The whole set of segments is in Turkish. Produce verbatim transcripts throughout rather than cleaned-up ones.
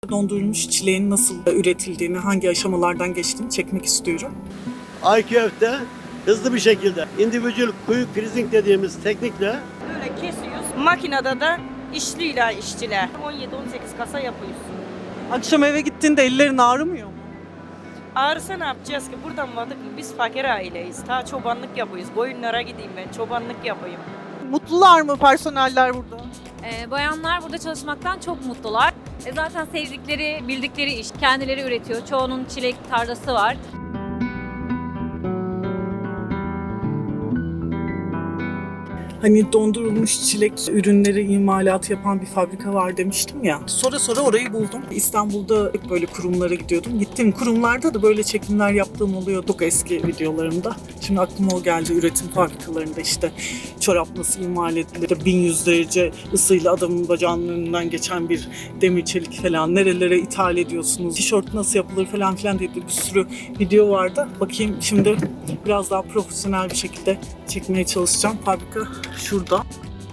Dondurulmuş çileğin nasıl üretildiğini, hangi aşamalardan geçtiğini çekmek istiyorum. Ay köfte hızlı bir şekilde individual quick freezing dediğimiz teknikle Böyle kesiyoruz. Makinede de işliyle işçiler. on yedi on sekiz kasa yapıyoruz. Akşam eve gittiğinde ellerin ağrımıyor mu? Ağrısa ne yapacağız ki? Buradan vardık mı? Biz fakir aileyiz. Ta çobanlık yapıyoruz. Koyunlara gideyim ben, çobanlık yapayım. Mutlular mı personeller burada? Ee, bayanlar burada çalışmaktan çok mutlular. E, zaten sevdikleri, bildikleri iş. Kendileri üretiyor. Çoğunun çilek tarlası var. Hani dondurulmuş çilek ürünleri imalatı yapan bir fabrika var demiştim ya. Sonra sonra orayı buldum. İstanbul'da hep böyle kurumlara gidiyordum. Gittiğim kurumlarda da böyle çekimler yaptığım oluyor çok eski videolarımda. Şimdi aklıma o geldi, üretim fabrikalarında işte çorap nasıl imal edilir, bin yüz derece ısıyla adamın bacağının önünden geçen bir demir çelik falan nerelere ithal ediyorsunuz, tişört nasıl yapılır falan filan diye bir sürü video vardı. Bakayım şimdi biraz daha profesyonel bir şekilde çekmeye çalışacağım. Fabrika şurada.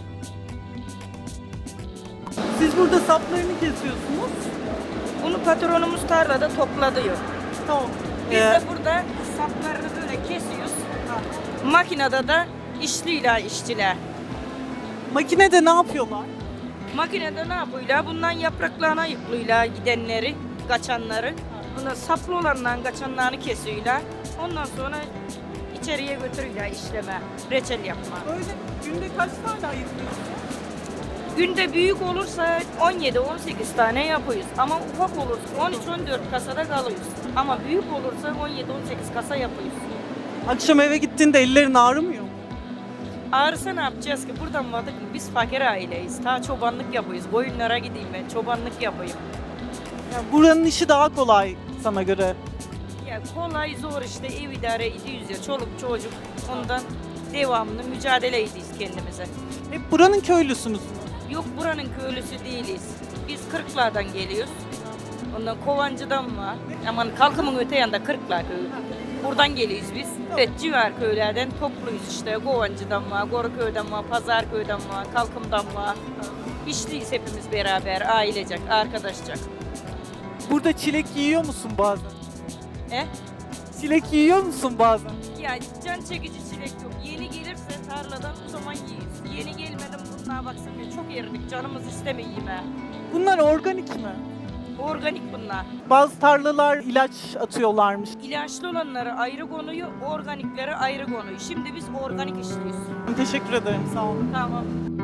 Siz burada saplarını kesiyorsunuz. Bunu patronumuz tarlada topladıyor. Tamam. Biz Ee, de burada saplarını böyle kesiyoruz. Makinede de işliyle işçiler. makinede ne yapıyorlar? Makinede ne yapıyorlar? Bundan yapraklarına yüklüyorlar gidenleri, kaçanları. Bundan saplı olanların kaçanlarını kesiyorlar. Ondan sonra içeriye götürüyorlar işleme, reçel yapma. Böyle günde kaç tane ayırıyorsunuz? Günde büyük olursa on yedi on sekiz tane yapıyoruz. Ama ufak olursa on üç on dört kasada kalıyoruz. Ama büyük olursa on yedi on sekiz kasa yapıyoruz. Akşam eve gittiğinde ellerin ağrımıyor mu? Ağrısa ne yapacağız ki? Buradan vardık mı? Biz fakir aileyiz. Ta çobanlık yapıyoruz. Koyunlara gideyim ben, çobanlık yapayım. Yani buranın işi daha kolay sana göre. Ya kolay zor işte, ev idare ediyoruz ya. Çoluk çocuk, ondan devamlı mücadele ediyoruz kendimize. Hep buranın köylüsünüz mü? Yok, buranın köylüsü değiliz. Biz Kırklar'dan geliyoruz. Ondan Kovancı'dan var. Aman Kalkım'ın öte yanında Kırklar köyü. Buradan geliyoruz biz. Evet, civar köylerden topluyuz işte. Kovancı'dan var, Goruköy'den var, Pazarköy'den var, Kalkım'dan var. İşliyiz hepimiz beraber, ailecek, arkadaşacak. Burada çilek yiyor musun bazen? E? Çilek yiyor musun bazen? Ya can çekici çilek yok. Yeni gelirse tarladan o zaman yiyiz. Yeni gelmedim bunlara baksana, çok eridik, canımız istemiyor yeme. Bunlar organik mi? Organik bunlar. Bazı tarlalar ilaç atıyorlarmış. İlaçlı olanları ayrı konuyor, organikleri ayrı konuyor. Şimdi biz organik işliyiz. Teşekkür ederim, sağ olun. Tamam.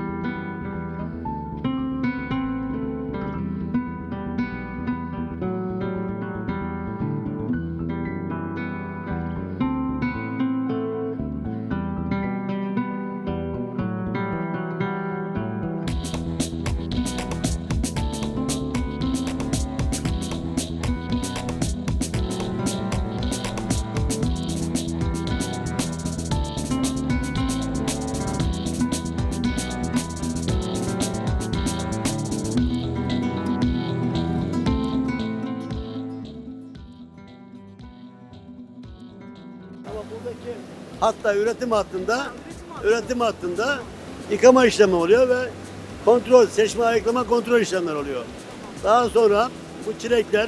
ama buradaki hatta üretim hattında üretim hattında yıkama işlemi oluyor ve kontrol, seçme, ayıklama, kontrol işlemleri oluyor. Daha sonra bu çilekler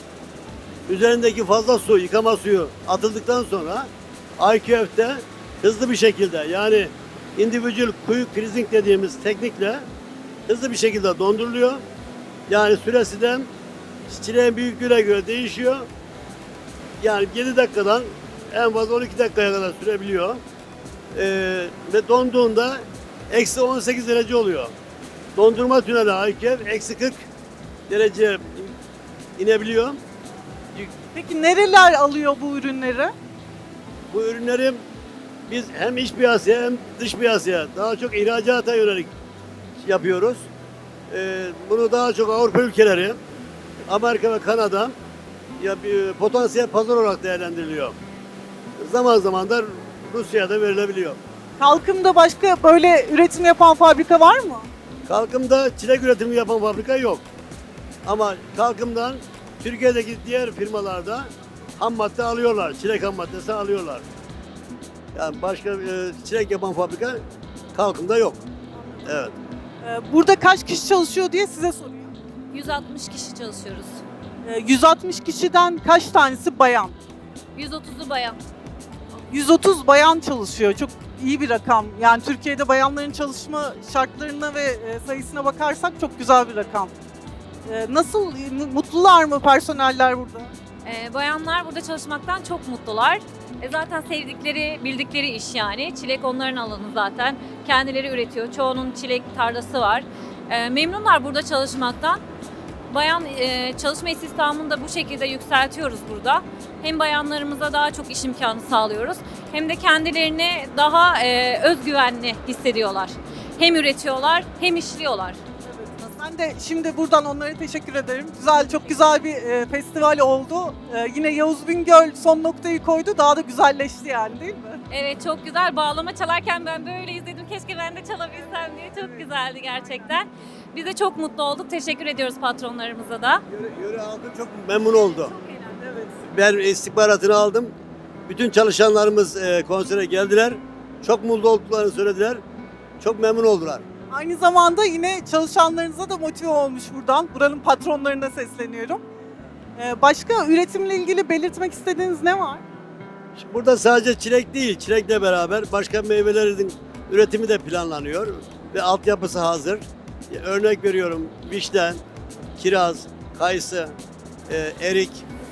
üzerindeki fazla su, yıkama suyu atıldıktan sonra ay köfte hızlı bir şekilde, yani individual quick freezing dediğimiz teknikle hızlı bir şekilde donduruluyor. Yani süresi de çileğin büyüklüğüne göre değişiyor. Yani yedi dakikadan en fazla on iki dakikaya kadar sürebiliyor. Ee, ve donduğunda eksi on sekiz derece oluyor. Dondurma tüneli ayköf eksi kırk derece inebiliyor. Peki nereler alıyor bu ürünleri? Bu ürünleri biz hem iç piyasaya hem dış piyasaya daha çok ihracata yönelik yapıyoruz. Ee, bunu daha çok Avrupa ülkeleri, Amerika ve Kanada ya bir potansiyel pazar olarak değerlendiriliyor. Zaman zaman da Rusya'da verilebiliyor. Kalkım'da başka böyle üretim yapan fabrika var mı? Kalkım'da çilek üretimi yapan fabrika yok. Ama Kalkım'dan Türkiye'deki diğer firmalarda ham madde alıyorlar. Çilek ham maddesi alıyorlar. Yani başka e, çilek yapan fabrika Kalkım'da yok. Evet. Ee, Burada kaç kişi çalışıyor diye size soruyor. yüz altmış kişi çalışıyoruz. Ee, yüz altmış kişiden kaç tanesi bayan? yüz otuzu bayan. yüz otuz bayan çalışıyor. Çok iyi bir rakam. Yani Türkiye'de bayanların çalışma şartlarına ve e, sayısına bakarsak çok güzel bir rakam. Ee, Nasıl, mutlular mı personeller burada? Ee, bayanlar burada çalışmaktan çok mutlular. E, zaten sevdikleri, bildikleri iş yani. Çilek onların alanı zaten. Kendileri üretiyor. Çoğunun çilek tarlası var. E, memnunlar burada çalışmaktan. Bayan e, çalışma istihdamını da bu şekilde yükseltiyoruz burada. Hem bayanlarımıza daha çok iş imkanı sağlıyoruz. Hem de kendilerini daha e, özgüvenli hissediyorlar. Hem üretiyorlar hem işliyorlar. Ben de şimdi buradan onlara teşekkür ederim. Güzel, çok güzel bir e, festival oldu. E, yine Yavuz Bingöl son noktayı koydu. Daha da güzelleşti yani, değil mi? Evet, çok güzel. Bağlama çalarken ben böyle izledim. Keşke ben de çalabilsem diye. Çok güzeldi gerçekten. Biz de çok mutlu olduk. Teşekkür ediyoruz patronlarımıza da. Yöre, yöre halkı çok memnun oldu. Evet. Ben istihbaratını aldım. Bütün çalışanlarımız e, konsere geldiler. Çok mutlu olduklarını söylediler. Çok memnun oldular. Aynı zamanda yine çalışanlarınıza da motive olmuş buradan. Buranın patronlarına sesleniyorum. E, başka üretimle ilgili belirtmek istediğiniz ne var? Şimdi burada sadece çilek değil, çilekle beraber başka meyvelerin üretimi de planlanıyor ve altyapısı hazır. Ya, örnek veriyorum, vişne, kiraz, kayısı, e, erik,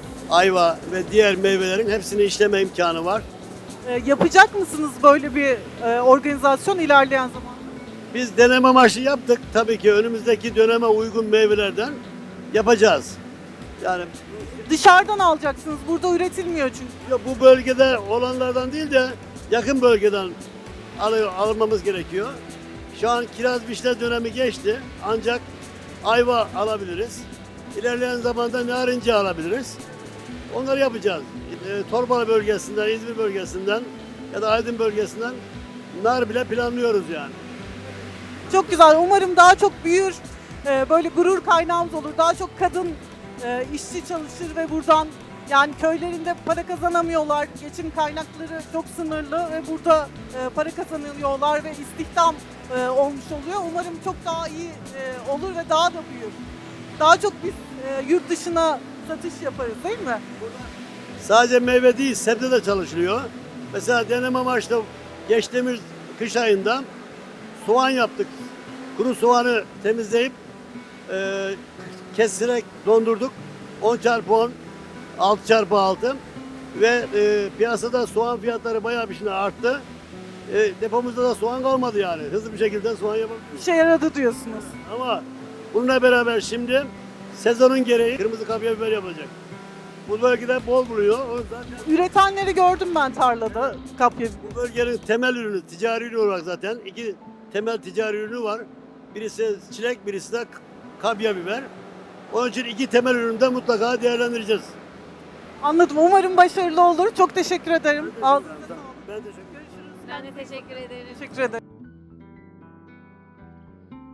ayva ve diğer meyvelerin hepsini işleme imkanı var. E, yapacak mısınız böyle bir e, organizasyon ilerleyen zamanda? Biz deneme amaçlı yaptık. Tabii ki önümüzdeki döneme uygun meyvelerden yapacağız. Yani Dışarıdan alacaksınız. Burada üretilmiyor çünkü. ya bu bölgede olanlardan değil de yakın bölgeden alıyor, almamız gerekiyor. Şu an kiraz vişne dönemi geçti. Ancak ayva alabiliriz. İlerleyen zamanda narince alabiliriz. Onları yapacağız. E, Torbalı bölgesinden, İzmir bölgesinden ya da Aydın bölgesinden nar bile planlıyoruz yani. Çok güzel. Umarım daha çok büyür. e, Böyle gurur kaynağımız olur. Daha çok kadın e, işçi çalışır ve buradan, yani köylerinde para kazanamıyorlar. Geçim kaynakları çok sınırlı ve burada e, para kazanıyorlar ve istihdam e, olmuş oluyor. Umarım çok daha iyi e, olur ve daha da büyür. Daha çok biz e, yurt dışına satış yaparız, değil mi? Sadece meyve değil, sebze de çalışılıyor. Mesela deneme amaçlı geçtiğimiz kış ayında soğan yaptık. Kuru soğanı temizleyip e, keserek dondurduk. on çarpı on, altı çarpı altı ve e, piyasada soğan fiyatları bayağı bir şimdi arttı. E, depomuzda da soğan kalmadı yani. Hızlı bir şekilde soğan yapabiliyoruz. İşe yaradı diyorsunuz. Ama bununla beraber şimdi sezonun gereği kırmızı kapya biber yapılacak. Bu bölgede bol buluyor. O zaten Üretenleri gördüm ben tarlada, kapya. bu bölgenin temel ürünü, ticari ürünü olarak zaten iki temel ticari ürünü var. Birisi çilek, birisi de kapya biber. Onun için iki temel ürünü de mutlaka değerlendireceğiz. Anladım. Umarım başarılı olur. Çok teşekkür ederim. Ağzınıza sağlık. Ben teşekkür ederim. Ben de teşekkür ederim. Teşekkür ederim.